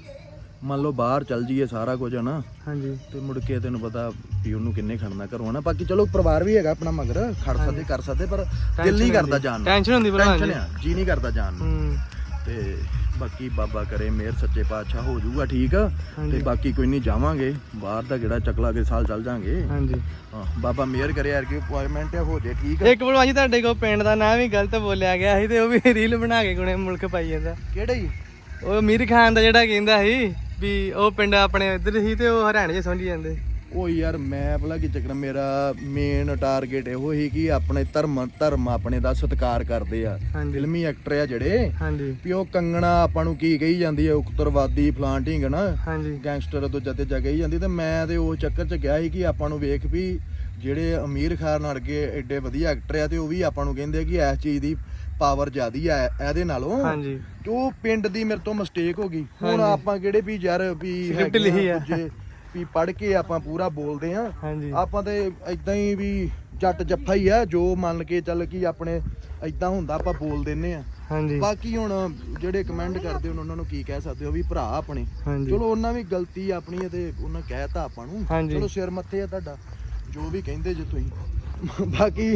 Speaker 3: ਮੰਨ ਲਓ ਬਾਹਰ ਚੱਲ ਜਾਈਏ ਸਾਰਾ ਕੁਝ ਹੈ ਨਾ,
Speaker 2: ਹਾਂਜੀ
Speaker 3: ਤੇ ਮੁੜ ਕੇ ਤੈਨੂੰ ਪਤਾ ਵੀ ਉਹਨੂੰ ਕਿੰਨੇ ਖੜਨਾ ਘਰੋਂ ਨਾ। ਬਾਕੀ ਚਲੋ ਪਰਿਵਾਰ ਵੀ ਹੈਗਾ ਆਪਣਾ ਮਗਰ, ਖੜ ਸਕਦੇ ਕਰ ਸਕਦੇ, ਪਰ ਦਿਲ ਨਹੀਂ ਕਰਦਾ ਜਾਣ ਨੂੰ।
Speaker 2: ਟੈਨਸ਼ਨ ਹੁੰਦੀ ਭਲਵਾਨ
Speaker 3: ਟੈਨਸ਼ਨ
Speaker 2: ਜੀ।
Speaker 3: ਆ, ਜੀ ਨਹੀਂ ਕਰਦਾ ਜਾਣ ਨੂੰ।
Speaker 2: ਹੂੰ
Speaker 3: ਤੇ ਬਾਕੀ ਬਾਬਾ ਕਰੇ ਮਿਹਰ, ਸੱਚੇ ਪਾਤਸ਼ਾਹ ਹੋ ਜਾਊਗਾ ਠੀਕ।
Speaker 2: ਹਾਂਜੀ।
Speaker 3: ਤੇ ਬਾਕੀ ਕੋਈ ਨਹੀਂ, ਜਾਵਾਂਗੇ ਬਾਹਰ ਦਾ ਕਿਹੜਾ ਚੱਕਲਾ ਕੇ ਸਾਲ ਚੱਲ ਜਾਾਂਗੇ।
Speaker 2: ਹਾਂਜੀ
Speaker 3: ਹਾਂ ਬਾਬਾ ਮਿਹਰ ਕਰੇ ਯਾਰ ਕਿ ਅਪਾਇੰਟਮੈਂਟ ਹੋ ਜੇ ਠੀਕ।
Speaker 2: ਇੱਕ ਭਲਵਾਨ ਜੀ ਤੁਹਾਡੇ ਕੋਲ ਪਿੰਡ ਦਾ ਨਾਂ ਵੀ ਗਲਤ ਬੋਲਿਆ ਗਿਆ ਸੀ ਤੇ ਉਹ ਵੀ ਰੀਲ ਬਣਾ ਕੇ ਗੁਣੇ ਮੁਲਕ ਪਾਈ ਜਾਂਦਾ।
Speaker 3: ਕਿਹੜਾ ਜੀ?
Speaker 2: ਉਹ ਅਮੀਰ ਖਾਨ ਦਾ ਜਿਹੜਾ ਕਹਿੰਦਾ ਸੀ ਵੀ ਉਹ ਪਿੰਡ ਆਪਣੇ ਇੱਧਰ ਸੀ ਤੇ ਉਹ ਹਰਿਆਣੇ 'ਚ ਸਮਝੀ ਜਾਂਦੇ।
Speaker 3: ਉਹ ਯਾਰ ਮੈਂ ਭਲਾ ਕੀ ਚੱਕਰ, ਮੇਰਾ ਮੇਨ ਟਾਰਗੇਟ ਇਹੋ ਹੀ ਕਿ ਆਪਣੇ ਧਰਮ ਧਰਮ ਆਪਣੇ ਦਾ ਸਤਿਕਾਰ ਕਰਦੇ ਆ।
Speaker 2: ਹਾਂਜੀ।
Speaker 3: ਫਿਲਮੀ ਐਕਟਰ ਆ ਜਿਹੜੇ
Speaker 2: ਹਾਂਜੀ
Speaker 3: ਵੀ ਉਹ ਕੰਗਣਾ ਆਪਾਂ ਨੂੰ ਕੀ ਕਹੀ ਜਾਂਦੀ ਹੈ, ਉਕਤਰਵਾਦੀ ਫਲਾਂ ਢੀਂਗਣਾ
Speaker 2: ਹਾਂਜੀ
Speaker 3: ਗੈਂਗਸਟਰ ਤੋਂ ਜੱਤੇ ਜਾ ਕਹੀ ਜਾਂਦੀ। ਤੇ ਮੈਂ ਤੇ ਉਹ ਚੱਕਰ 'ਚ ਗਿਆ ਸੀ ਕਿ ਆਪਾਂ ਨੂੰ ਵੇਖ ਵੀ ਜਿਹੜੇ ਅਮੀਰ ਖਾਨ ਵਰਗੇ ਐਡੇ ਵਧੀਆ ਐਕਟਰ ਆ ਤੇ ਉਹ ਵੀ ਆਪਾਂ ਨੂੰ ਕਹਿੰਦੇ ਕਿ ਇਸ ਚੀਜ਼ ਦੀ ਪਾਵਰ ਜ਼ਿਆਦੀ ਆ ਇਹਦੇ ਨਾਲੋਂ।
Speaker 2: ਹਾਂਜੀ
Speaker 3: ਤੇ ਉਹ ਪਿੰਡ ਦੀ ਮੇਰੇ ਤੋਂ ਮਿਸਟੇਕ ਹੋ ਗਈ। ਹੁਣ
Speaker 2: ਹਾਂਜੀ।
Speaker 3: ਆਪਾਂ ਕਿਹੜੇ ਵੀ ਯਾਰ ਵੀ
Speaker 2: Script
Speaker 3: ਹੈਗੇ
Speaker 2: ਲਿਖੀ ਆ।
Speaker 3: ਦੂਜੇ ਵੀ ਪੜ੍ਹ ਕੇ ਆਪਾਂ ਪੂਰਾ ਬੋਲਦੇ ਆ।
Speaker 2: ਹਾਂਜੀ
Speaker 3: ਆਪਾਂ ਤੇ ਇਦਾਂ ਹੀ ਵੀ ਜੱਟ ਜੱਫਾ ਹੀ ਆ, ਜੋ ਮੰਨ ਕੇ ਚੱਲ ਕਿ ਆਪਣੇ ਇਦਾਂ ਹੁੰਦਾ ਆਪਾਂ ਬੋਲ ਦਿੰਨੇ ਆ।
Speaker 2: ਹਾਂਜੀ
Speaker 3: ਬਾਕੀ ਹੁਣ ਜਿਹੜੇ ਕਮੈਂਟ ਕਰਦੇ ਹੁਣ ਉਹਨਾਂ ਨੂੰ ਕੀ ਕਹਿ ਸਕਦੇ ਹੋ, ਵੀ ਭਰਾ ਆਪਣੇ।
Speaker 2: ਹਾਂਜੀ
Speaker 3: ਚਲੋ ਉਹਨਾਂ ਵੀ ਗਲਤੀ ਆਪਣੀ ਹੈ ਤੇ ਉਹਨਾਂ ਕਹਿਤਾ ਆਪਾਂ ਨੂੰ,
Speaker 2: ਹਾਂਜੀ।
Speaker 3: ਚਲੋ ਸਿਰ ਮੱਥੇ ਆ ਤੁਹਾਡਾ, ਜੋ ਵੀ ਕਹਿੰਦੇ ਜੇ ਤੁਸੀਂ। ਬਾਕੀ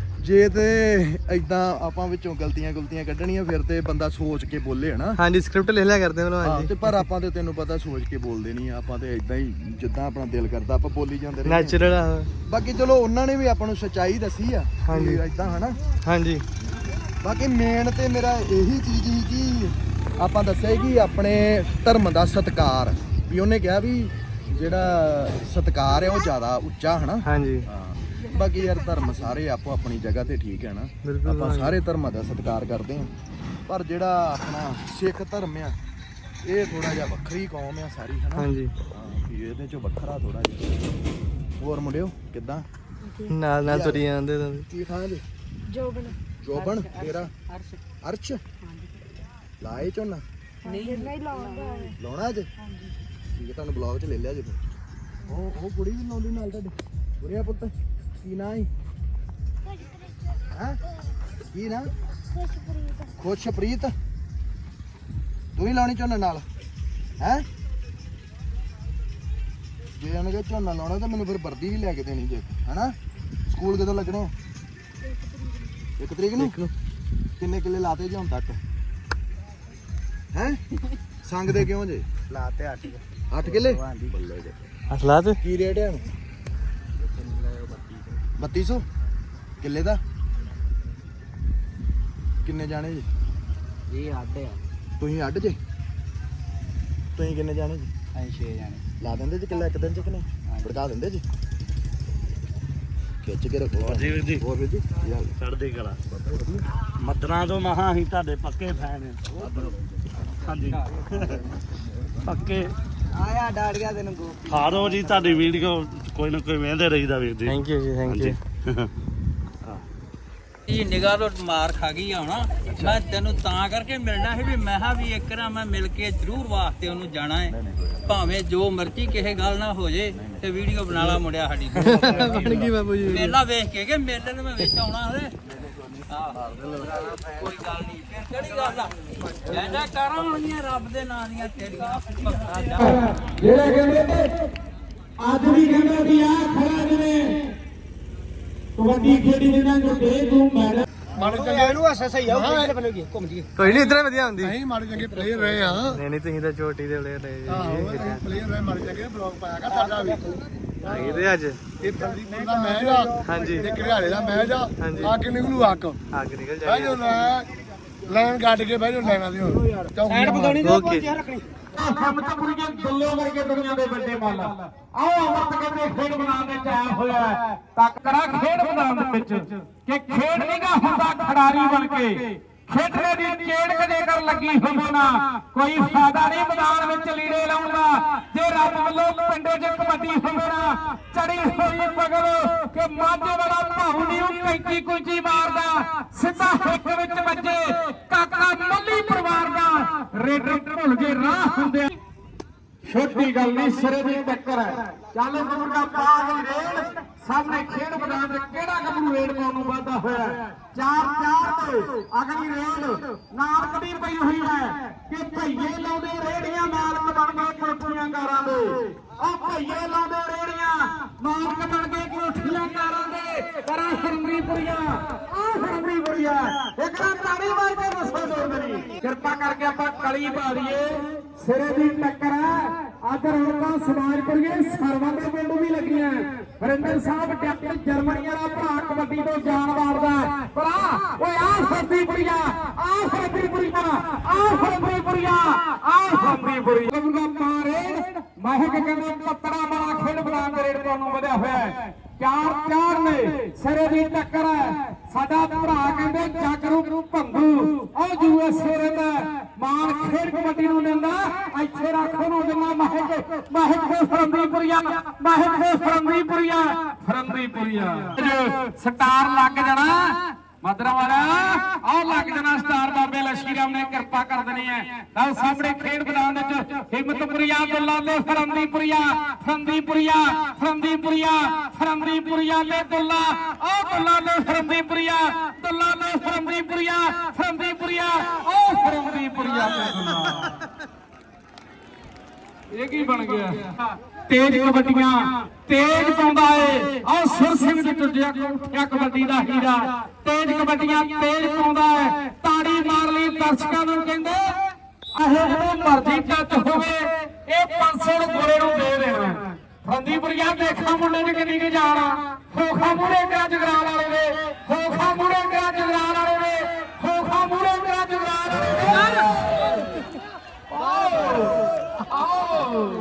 Speaker 3: ਜੇ ਤੇ ਇਦਾਂ ਆਪਾਂ ਵਿੱਚੋਂ ਗਲਤੀਆਂ ਗੁਲਤੀਆਂ ਕੱਢਣੀਆਂ ਫਿਰ ਤੇ ਬੰਦਾ ਸੋਚ ਕੇ ਬੋਲੇ ਹਨਾ।
Speaker 2: ਹਾਂਜੀ ਸਕ੍ਰਿਪਟ ਲਿਖ ਲਿਆ ਕਰਦੇ
Speaker 3: ਹਾਂ
Speaker 2: ਭਲਵਾਨ
Speaker 3: ਤੇ
Speaker 2: ਜੀ।
Speaker 3: ਪਰ ਆਪਾਂ ਤੇ ਤੈਨੂੰ ਪਤਾ ਸੋਚ ਕੇ ਬੋਲਦੇ ਨਹੀਂ, ਆਪਾਂ ਤੇ ਇਦਾਂ ਹੀ ਜਿੱਦਾਂ ਆਪਣਾ ਦਿਲ ਕਰਦਾ ਆਪਾਂ ਬੋਲੀ ਜਾਂਦੇ ਰਹੇ।
Speaker 2: ਨੈਚੁਰਲ ਆ।
Speaker 3: ਬਾਕੀ ਚਲੋ ਉਹਨਾਂ ਨੇ ਵੀ ਆਪਾਂ ਨੂੰ ਸੱਚਾਈ ਦੱਸੀ ਆ
Speaker 2: ਹਾਂਜੀ।
Speaker 3: ਇਦਾਂ ਹਨਾ।
Speaker 2: ਹਾਂਜੀ
Speaker 3: ਬਾਕੀ ਮੇਨ ਤੇ ਮੇਰਾ ਇਹੀ ਚੀਜ਼ ਸੀ ਕਿ ਆਪਾਂ ਦੱਸਿਆ ਸੀ ਕਿ ਆਪਣੇ ਧਰਮ ਦਾ ਸਤਿਕਾਰ, ਵੀ ਉਹਨੇ ਕਿਹਾ ਵੀ ਜਿਹੜਾ ਸਤਿਕਾਰ ਹੈ ਉਹ ਜ਼ਿਆਦਾ ਉੱਚਾ ਹਨਾ।
Speaker 2: ਹਾਂਜੀ
Speaker 3: ਹਾਂ ਬਾਕੀ ਯਾਰ ਧਰਮ ਸਾਰੇ ਆਪੋ ਆਪਣੀ ਜਗ੍ਹਾ ਤੇ ਠੀਕ ਹੈ ਨਾ,
Speaker 2: ਬਿਲਕੁਲ
Speaker 3: ਆਪਾਂ
Speaker 2: ਹਾਂਜੀ।
Speaker 3: ਸਾਰੇ ਧਰਮਾਂ ਦਾ ਸਤਿਕਾਰ ਕਰਦੇ ਹਾਂ। ਪਰ ਜਿਹੜਾ ਆਪਣਾ ਸਿੱਖ ਧਰਮ ਆ ਇਹ ਥੋੜਾ ਜਿਹਾ ਵੱਖਰੀ ਕੌਮ ਆ ਸਾਰੀ ਹਨਾ।
Speaker 2: ਹਾਂਜੀ
Speaker 3: ਹਾਂ ਵੀ ਇਹਦੇ ਚੋਂ ਵੱਖਰਾ ਥੋੜਾ ਜਿਹਾ। ਹੋਰ ਮੁੰਡਿਓ ਕਿੱਦਾਂ?
Speaker 2: ਨਾਲ ਨਾਲ ਤੁਰੀ ਜਾਂਦੇ ਤੁਸੀਂ।
Speaker 3: ਕੀ ਖਾਂ ਜੀ? ਜੋਬਨ। ਜੋਬਨ ਤੇਰਾ? ਅਰਸ਼। ਅਰਸ਼ ਲਾਏ ਝੋਨਾ?
Speaker 7: ਨਹੀਂ ਨਹੀਂ ਲਾਉਂਦਾ
Speaker 3: ਲਾਉਣਾ ਅੱਜ? ਠੀਕ ਹੈ ਤੁਹਾਨੂੰ ਬਲੌਗ 'ਚ ਲੈ ਲਿਆ ਜੇ ਫਿਰ। ਉਹ ਉਹ ਕੁੜੀ ਵੀ ਲਾਉਂਦੀ ਨਾਲ ਤੁਹਾਡੇ? ਬੁਰਿਆ ਪੁੱਤ ਕੀ ਨਾਂ ਹੈ? ਹੈ ਕੀ ਨਾਂ? ਖੁਸ਼ਪ੍ਰੀਤ। ਤੂੰ ਹੀ ਲਾਉਣੀ ਝੋਨਾ ਨਾਲ ਹੈ? ਜੇ ਉਹਨੇ ਕਿਹਾ ਝੋਨਾ ਲਾਉਣਾ ਤਾਂ ਮੈਨੂੰ ਫਿਰ ਵਰਦੀ ਵੀ ਲੈ ਕੇ ਦੇਣੀ ਜੇ ਹਨਾ। ਸਕੂਲ ਕਦੋਂ ਲੱਗਣੇ ਆ? ਇੱਕ ਤਰੀਕ ਨੂੰ। ਕਿੰਨੇ ਕਿੱਲੇ ਲਾਤੇ ਜੇ ਹੁਣ ਤੱਕ ਹੈ? ਸੰਗਦੇ ਕਿਉਂ ਜੇ?
Speaker 5: ਲਾਤੇ ਅੱਠ
Speaker 3: ਅੱਠ ਕਿੱਲੇ ਬੱਲੇ ਜੇ।
Speaker 2: ਅਸਲਾ ਤੇ
Speaker 3: ਕੀ ਰੇਟ ਹੈ ਬੱਤੀ ਸੌ ਕਿੱਲੇ ਦਾ? ਕਿੰਨੇ ਜਾਣੇ ਜੀ?
Speaker 5: ਇਹ ਅੱਡ ਆ।
Speaker 3: ਤੁਸੀਂ ਅੱਡ ਜੇ? ਤੁਸੀਂ ਕਿੰਨੇ ਜਾਣੇ ਜੀ?
Speaker 5: ਅਸੀਂ ਛੇ ਜਾਣੇ।
Speaker 3: ਲਾ ਦਿੰਦੇ ਜੀ ਕਿੱਲਾ ਇੱਕ ਦਿਨ ਚ ਕਿ ਨਹੀਂ? ਭੜਕਾ ਦਿੰਦੇ ਜੀ? ਖਿੱਚ ਕੇ ਰੱਖੋ
Speaker 8: ਜੀ ਵੀਰ ਜੀ।
Speaker 3: ਹੋਰ ਵੀਰ ਜੀ ਕੀ ਹਾਲ?
Speaker 8: ਚੜ੍ਹਦੀ ਕਲਾ। ਮੱਦਰਾਂ ਤੋਂ ਮਹਾ ਅਸੀਂ ਤੁਹਾਡੇ ਪੱਕੇ ਫੈਨ ਹਾਂ। ਹਾਂਜੀ ਪੱਕੇ
Speaker 5: ਆਇਆ ਡਾੜ ਗਿਆ ਤੈਨੂੰ ਗੋਪੀ।
Speaker 8: ਹਾਰੋ ਜੀ, ਤੁਹਾਡੀ ਵੀਡੀਓ ਕੋਈ ਨਾ ਕੋਈ ਵੇਖਦੇ ਰਹੀਦਾ ਵੀਰ ਜੀ।
Speaker 2: ਥੈਂਕ ਯੂ ਜੀ ਥੈਂਕ ਯੂ।
Speaker 4: ਇਹ ਨਿਗਾਹ ਤੋਂ ਮਾਰ ਖਾ ਗਈ ਆ ਹੁਣ। ਮੈਂ ਤੈਨੂੰ ਤਾਂ ਕਰਕੇ ਮਿਲਣਾ ਸੀ ਵੀ ਮੈਂ ਕਿਹਾ ਵੀ ਇੱਕ ਨਾ ਮੈਂ ਮਿਲ ਕੇ ਜ਼ਰੂਰ ਵਾਸਤੇ ਉਹਨੂੰ ਜਾਣਾ ਹੈ, ਭਾਵੇਂ ਜੋ ਮਰਜ਼ੀ ਕਿਸੇ ਗੱਲ ਨਾ ਹੋ ਜੇ ਤੇ ਵੀਡੀਓ ਬਣਾ ਲਾ ਮੁੰਡਿਆ ਸਾਡੀ।
Speaker 2: ਬਣ ਗਈ ਬਾਬੂ ਜੀ।
Speaker 4: ਮੇਲਾ ਵੇਖ ਕੇ ਕਿ ਮੇਲੇ ਨੂੰ ਮੈਂ ਵਿੱਚ ਆਉਣਾ ਹਲੇ। ਆਹ ਕੋਈ ਗੱਲ ਨਹੀਂ, ਫਿਰ ਕਿਹੜੀ ਗੱਲ ਆ? ਜੈ ਜੈ ਕਰਾਂ ਹੋਣੀਆਂ ਰੱਬ ਦੇ ਨਾਂ ਦੀਆਂ ਤੇਰੀਆਂ। ਭਗਤਾਂ ਜਾ
Speaker 1: ਜਿਹੜੇ ਕਹਿੰਦੇ ਨੇ ਅੱਜ ਵੀ ਕਹਿੰਦੇ ਵੀ ਆ ਖੜਾ ਜਿਵੇਂ ਕਬੱਡੀ ਖੇਡੀ ਜਿਹਨਾਂ ਨੂੰ ਦੇ ਤੂੰ ਮੈਡਮ
Speaker 5: ਮਾੜੇ ਚੰਗੇ ਇਹਨੂੰ ਐਸਾ ਸਹੀ ਆ ਕਿਹਦੇ ਵੱਲੋਂ ਕੀ ਘੁੰਮ ਜੀ।
Speaker 2: ਕੋਈ ਨਹੀਂ ਇਤਨਾ ਵਧੀਆ ਹੁੰਦੀ।
Speaker 6: ਨਹੀਂ ਮਾੜੇ ਚੰਗੇ ਪਲੇਅਰ ਰਹੇ ਆ।
Speaker 2: ਨਹੀਂ ਨਹੀਂ ਤੁਸੀਂ ਤਾਂ ਛੋਟੀ ਦੇ ਪਲੇਅਰ ਰਹੇ
Speaker 6: ਆਹੋ ਪਲੇਅਰ ਰਹੇ ਮਾੜੇ ਚੰਗੇ। ਬਲੌਗ ਪਾਇਆਗਾ ਤੁਹਾਡਾ ਵੀ।
Speaker 2: ਜੀ ਇਹਦੇ ਅੱਜ
Speaker 6: ਇਹ ਫਲਦੀਪੁਰ ਦਾ ਮੈਚ ਆ।
Speaker 2: ਹਾਂਜੀ
Speaker 6: ਇਹ ਘਰਿਆਲੇ ਦਾ ਮੈਚ ਆ।
Speaker 2: ਹਾਂਜੀ।
Speaker 6: ਆ ਕੇ ਨਿਕਲੂ ਅੱਗ।
Speaker 2: ਅੱਗ ਨਿਕਲ
Speaker 6: ਬਹਿ
Speaker 2: ਜਾਏ।
Speaker 6: ਜਾਓ ਲੈ ਲਾਈਨ ਕੱਢ ਕੇ ਬਹਿ ਜਾਓ ਲਾਈਨਾਂ ਦੀ ਹੁਣ।
Speaker 5: ਸਾਈਡ ਬਤਾਉਣੀ ਤੇ
Speaker 2: ਓਕੇ
Speaker 5: ਰੱਖਣੀ।
Speaker 1: ਹਮਤਪੁਰੀਆਂ ਗੱਲੋਂ ਵਰਗੇ ਦੁਨੀਆ ਦੇ ਵੱਡੇ ਮੱਲ ਆਓ ਅਮਰਤ ਕਹਿੰਦੇ ਖੇਡ ਬਣਾਉਣ ਦੇ ਚਾਹ ਹੋਇਆ ਹੈ। ਤੱਕੜਾ ਖੇਡ ਮੈਦਾਨ ਦੇ ਵਿੱਚ ਕਿ ਖੇਡ ਨਹੀਂਗਾ ਹੁੰਦਾ ਖਿਡਾਰੀ ਬਣ ਕੇ। ਖੇਡਣੇ ਦੀ ਚੇੜ ਕਦੇ ਕਰ ਲੱਗੀ ਹੋਵੇ ਨਾ, ਕੋਈ ਫਾਇਦਾ ਨਹੀਂ ਮੈਦਾਨ ਵਿੱਚ ਲੀੜੇ ਲਾਉਣ ਦਾ। ਜੇ ਰੱਬ ਵੱਲੋਂ ਪਿੰਡੇ 'ਚ ਕਬੱਡੀ ਹੋਵੇ ਨਾ, ਚੜੀ ਹੋਈ ਪਗਲ ਕਿ ਮਾਝੇ ਵਾਲਾ ਭਾਉ ਨਹੀਂ ਕੈਂਚੀ ਕੁੰਚੀ ਮਾਰਦਾ, ਸਿੱਧਾ ਹਿੱਕ ਵਿੱਚ ਵੱਜੇ ਕਾਕਾ ਮੱਲੀ ਪਰਿਵਾਰ ਕੋਈ ਗੱਲ ਨਹੀਂ, ਸਿਰੇ ਦੀ ਟੱਕਰ ਹੈ। ਚੱਲ ਮੁਰਗਾ ਪਾ ਗਈ ਰੇਡ, ਸਾਹਮਣੇ ਖੇਡ ਮੈਦਾਨ ਦੇ ਕਿਹੜਾ ਗੱਭਰੂ ਰੇਡ ਪਾਉਣ ਨੂੰ ਵਾਧਾ ਹੋਇਆ ਹੈ। ਚਾਰ ਚਾਰ ਤੇ ਅਗਲੀ ਰੇਡ ਨਾਲ ਕਦੀ ਪਈ ਹੋਈ ਹੈ ਕਿ ਭਈਏ ਲਾਉਂਦੇ ਰੇੜੀਆਂ ਮਾਲਕ ਬਣ ਗਏ ਕੋਠੀਆਂ ਕਾਰਾਂ ਦੇ। ਉਹ ਭਈਏ ਲਾਉਂਦੇ ਰੇੜੀਆਂ ਮਾਲਕ ਬਣ ਗਏ ਕੋਠੀਆਂ ਕਾਰਾਂ ਦੇ। ਕਰਾਂ ਹਰਮਰੀਪੁਰੀਆ ਆ ਹਰਮਰੀਪੁਰੀਆ ਇੱਕ ਤਾਂ ਤਾੜੀ ਮਾਰ ਕੇ ਦੱਸੋ ਦੋ ਮੇਰੀ ਕਿਰਪਾ ਕਰਕੇ ਆਪਾਂ ਕਲੀ ਪਾ ਦਈਏ। ਸਿਰੇ ਦੀ ਟੱਕਰ ਹੈ। ਅੱਜ ਰੌਣਕਾਂ ਸਮਾਜਪੁਰੀਏ ਸਰਵਾਂ ਦੇ ਪਿੰਡੂ ਵੀ ਲੱਗੀਆਂ। ਵਰਿੰਦਰ ਸਾਹਿਬ ਡਾਕਟਰ ਜਰਮਨੀ ਵਾਲਾ ਭਰਾ ਕਬੱਡੀ ਤੋਂ ਜਾਨ ਵਾਰਦਾ ਭਰਾ ਓਏ ਆ ਹਰਮਰੀਪੁਰੀਆ ਆ ਹਰਮਰੀਪੁਰੀਆ ਆ ਹਰਮਰੀਪੁਰੀਆ ਆ ਹਰਮਰੀਪੁਰੀਆ ਗੁਰਗਾ ਮਾਰੇ ਮਹਿਕ ਕਹਿੰਦੇ ਪੱਤਰਾ ਵਾਲਾ ਖੇਡ ਮੈਦਾਨ ਦੇ ਰੇਡ ਪਾਉਣ ਨੂੰ ਵਧਿਆ ਹੋਇਆ ਹੈ। ਚਾਰ ਚਾਰ ਨੇ ਸਿਰੇ ਦੀ ਟੱਕਰ ਹੈ। ਸਾਡਾ ਭਰਾ ਕਹਿੰਦੇ ਜਾਗਰੂ ਭੰਗੂ ਉਹ ਯੂਐਸਏ ਰਹਿੰਦਾ ਮਾਨ ਖੇਡ ਕਬੱਡੀ ਨੂੰ ਲੈਂਦਾ ਇੱਥੇ ਰੱਖੋ ਨੂੰ ਦਿੰਦਾ ਮਹਿਕ ਮਹਿਕ ਹੋ ਫਰੰਦੀਪੁਰੀਆ ਮਹਿਕ ਹੋ ਫਰੰਦੀਪੁਰੀਆ ਫਰੰਦੀਪੁਰੀਆ ਸਟਾਰ ਲੱਗ ਜਾਣਾ ਮਦਰਾ ਵਾਲਾ ਆਹ ਲੱਗ ਜਾਣਾ ਸਟਾਰ। ਬਾਬੇ ਲਸ਼ਕਰੀ ਰਾਮ ਨੇ ਕਿਰਪਾ ਕਰ ਦੇਣੀ ਹੈ। ਤਾਂ ਸਾਹਮਣੇ ਖੇਡ ਮੈਦਾਨ ਵਿੱਚ ਹਿੰਮਤਪੁਰੀਆ ਦੁੱਲਾ ਲੈ ਫਰੰਦੀਪੁਰੀਆ ਫਰੰਦੀਪੁਰੀਆ ਫਰੰਦੀਪੁਰੀਆ ਫਰੰਦੀਪੁਰੀਆ ਲੈ ਦੁੱਲਾ ਆਹ ਦੁੱਲਾ ਲੈ ਫਰੰਦੀਪੁਰੀਆ ਦੁੱਲਾ ਲੈ ਫਰੰਦੀਪੁਰੀਆ ਫਰੰਦੀਪੁਰੀਆ ਆਹ ਫਰੰਦੀਪੁਰੀਆ ਲੈ ਦੁੱਲਾ। ਇਹ ਕੀ ਬਣ ਗਿਆ? ਤੇਜ ਕਬੱਡੀਆਂ ਤੇਜ ਪਾਉਂਦਾ ਏ ਆਹ ਸੁਰ ਸਿੰਘ ਦੀ ਟੁੱਟਿਆ ਕੋਠਿਆ ਕਬੱਡੀ ਦਾ ਹੀਰਾ। ਤੇਜ ਕਬੱਡੀਆਂ ਤੇਜ ਪਾਉਂਦਾ ਏ। ਤਾੜੀ ਮਾਰ ਲਈ ਦਰਸ਼ਕਾਂ ਨੂੰ ਕਹਿੰਦੇ ਆਹੇ ਜਦੋਂ ਮਰਜ਼ੀ ਟੱਚ ਹੋਵੇ ਇਹ ਪੰਜ ਸੌ ਗੋਰੇ ਨੂੰ ਦੇ ਦੇਣਾ। ਫਰੰਦੀਪੁਰੀਆ ਦੇਖਾਂ ਮੁੰਡੇ ਨੇ ਕਿੰਨੀ ਕੁ ਜਾਣ ਖੋਖਾ ਮੂਹਰੇ ਕਰਾ ਜਗਰਾਲ ਵਾਲੇ ਦੇ ਖੋਖਾ ਮੂਹਰੇ ਕਰਾ ਜਗਰਾਲ ਵਾਲੇ ਦੇ ਖੋਖਾ ਮੂਹਰੇ ਕਰਾ ਜਗਰਾਲ ਵਾਲੇ ਦੇ। ਆਓ ਆਓ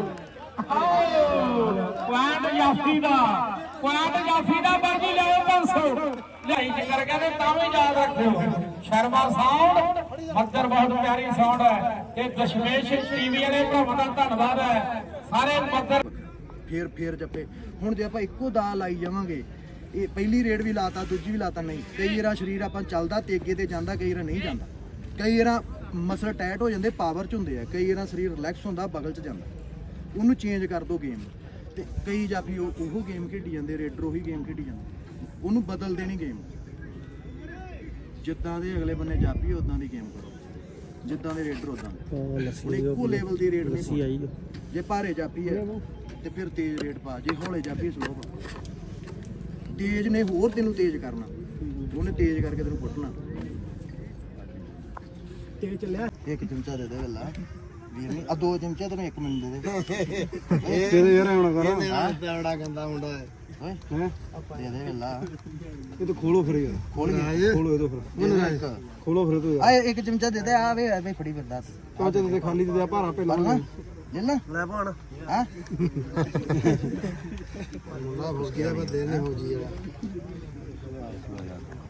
Speaker 1: ਪੁਆਇੰਟ ਜਾਫੀ ਦਾ ਪੁਆਇੰਟ ਜਾਫੀ ਦਾ ਬਾਜੀ ਲਿਆਓ ਪੰਜ ਸੌ ਲਿਆਈ ਚੱਕਰ ਕਹਿੰਦੇ ਤਾਂ ਵੀ ਯਾਦ ਰੱਖਿਓ। ਸ਼ਰਮਾ ਸਾਊਂਡ ਮੱਦਰ ਬਹੁਤ ਪਿਆਰੀ ਸਾਊਂਡ ਹੈ ਤੇ ਦਸ਼ਮੇਸ਼ ਟੀਵੀ ਵਾਲੇ ਭਰਾਵਾਂ ਦਾ ਧੰਨਵਾਦ ਹੈ ਸਾਰੇ ਮੱਦਰ।
Speaker 3: ਫੇਰ ਫੇਰ ਜੱਪੇ ਹੁਣ ਜੇ ਆਪਾਂ ਇੱਕੋ ਦਾ ਲਾਈ ਜਾਵਾਂਗੇ ਇਹ ਪਹਿਲੀ ਰੇਡ ਵੀ ਲਾਤਾ ਦੂਜੀ ਵੀ ਲਾਤਾ ਨਹੀਂ। ਕਈ ਵਾਰ ਸਰੀਰ ਆਪਾਂ ਚੱਲਦਾ ਤੇ ਅੱਗੇ ਤੇ ਜਾਂਦਾ ਕਈ ਵਾਰ ਨਹੀਂ ਜਾਂਦਾ। ਕਈ ਵਾਰ ਮਸਲ ਟਾਈਟ ਹੋ ਜਾਂਦੇ ਪਾਵਰ ਚ ਹੁੰਦੇ ਆ। ਕਈ ਵਾਰ ਸਰੀਰ ਰਿਲੈਕਸ ਹੁੰਦਾ ਬਗਲ ਚ ਜਾਂਦਾ। ਉਹਨੂੰ ਚੇਂਜ ਕਰ ਦੋ ਗੇਮ ਤੇ ਕਈ ਜਾਫੀ ਉਹ ਉਹ ਗੇਮ ਖੇਡੀ ਜਾਂਦੇ ਰੇਡਰ ਉਹੀ ਗੇਮ ਖੇਡੀ ਜਾਂਦੇ। ਉਹਨੂੰ ਬਦਲ ਦੇਣੀ ਗੇਮ ਜਿੱਦਾਂ ਦੇ ਅਗਲੇ ਬੰਨੇ ਜਾਫੀ ਉਦਾਂ ਦੀ ਗੇਮ ਕਰੋ ਜਿੱਦਾਂ ਦੇ ਰੇਡਰ ਉਦਾਂ ਦੇ। ਹੁਣ ਇੱਕੋ ਲੈਵਲ ਦੀ ਰੇਡ ਨਹੀਂ ਆਈ। ਜੇ ਭਾਰੇ ਜਾਫੀ ਹੈ ਤੇ ਫਿਰ ਤੇਜ਼ ਰੇਡ ਪਾ ਜੇ ਹੌਲੇ ਜਾਫੀ ਸਲੋ ਪਾ। ਤੇਜ਼ ਨੇ ਹੋਰ ਤੈਨੂੰ ਤੇਜ਼ ਕਰਨਾ ਉਹਨੇ ਤੇਜ਼ ਕਰਕੇ ਤੈਨੂੰ ਕੁੱਟਣਾ।
Speaker 6: ਤੇਜ਼ ਚੱਲਿਆ
Speaker 3: ਇੱਕ ਚਮਚਾ ਦੇ ਦੇ ਗੱਲਾਂ ਵੀਰ ਨਹੀਂ ਆ ਦੋ ਚਮਚੇ ਤੈਨੂੰ ਇੱਕ ਮਿੰਟ ਦੇ ਦੇ।
Speaker 6: ਇਹ ਤੇ ਯਾਰ ਹੁਣ ਕਰਾਂ
Speaker 3: ਬੜਾ ਗੰਦਾ ਮੁੰਡਾ ਹੈ ਓਏ ਹੈ ਦੇ ਦੇ ਗੱਲਾਂ।
Speaker 6: ਇਹ ਤਾਂ ਖੋਲੋ ਫਿਰ ਯਾਰ
Speaker 3: ਖੋਲ
Speaker 6: ਖੋਲੋ ਇਹ ਤਾਂ ਫਿਰ
Speaker 3: ਮੈਨੂੰ
Speaker 6: ਖੋਲੋ ਫਿਰ ਤੂੰ
Speaker 3: ਆ ਇੱਕ ਚਮਚਾ ਦੇ ਦੇ ਆ ਵੇ ਆ ਵੇ ਫੜੀ ਫਿਰਦਾ
Speaker 6: ਚਮਚੇ ਤੇ ਖਾਲੀ ਦੇ ਦੇ ਭਾਰਾ ਪਹਿਲਾਂ
Speaker 3: ਨਾ ਲੈ ਨਾ
Speaker 6: ਲੈ ਪਾਣ
Speaker 3: ਹਾਂ
Speaker 6: ਮੁੰਡਾ ਫੁਸ ਗਿਆ ਮੈਂ ਦੇਣੇ ਹੋ ਜੀ